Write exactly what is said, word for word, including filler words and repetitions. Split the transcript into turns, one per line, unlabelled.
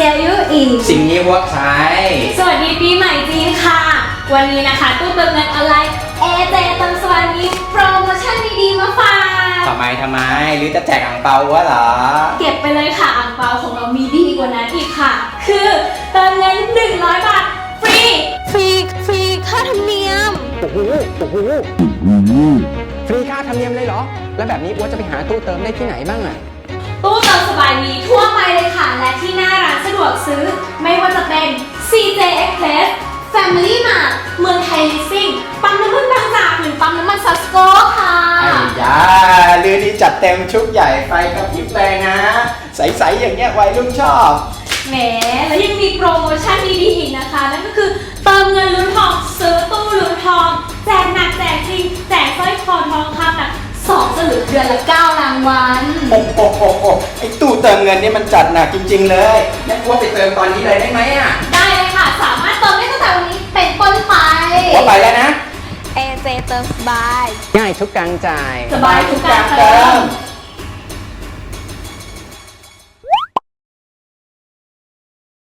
อายุอีก
สิ่งนี้วัวใช้
สวัสดีปีใหม่จีนค่ะวันนี้นะคะตู้เติมเงินออนไลน์เอเจเติมสวรรค์มีโปรโมชั่นดีๆมาฝาก
ทำไมทำไมหรือจะแจกอ่างเปาวะเหรอ
เก็บไปเลยค่ะอ่างเปาของเรามีดีกว่านั้นอีกค่ะคือเติมเงินหนึ่งร้อยบาทฟรีฟรีฟรีค่าธรรมเนียม
โอ้โหโอ้โหฟรีค่าธรรมเนียมเลยเหรอแล้วแบบนี้วัวจะไปหาตู้เติมได้ที่ไหนบ้างอะ
ตู้เติมสบายมีทั่วไปเลยค่ะและที่หน้าร้านสะดวกซื้อไม่ว่าจะเป็น ซี เจ Express Family Mart เมืองไทยลิสซิ่งปั๊มน้ำมันบางจากหรือปั๊มน้ำมันซัสโกค่ะ
ไอ้ยาลือนี่จัดเต็มชุดใหญ่ไฟกระพริบเลยนะใสๆอย่างเงี้ยวัยรุ่นชอบ
แหมแล้วยังมีโปรโมชั่นดีๆอีกนะคะนั่นก็คือเติมเงินลุ้นทองซื้อตู้ลุ้นทองแจกหนักแจกจริงแจกสร้อยคอทองคำหนักสองสลึงเดือนละเก้ารางวัล
โอ้โหโอ้โหไอ้ตู้เติมเงินนี่มันจัดหนักจริงๆเลยงั้นวัวไปเติมตอนนี้เลยได้ไหมอ่ะ
ได้เลยค่ะสามารถเติมได้ตั้งแต่วันนี้เป็นต้นไป
วัวไปแล้วนะ
เอเจเติมสบาย
ง่ายทุกการจ่าย
สบายทุกการเติม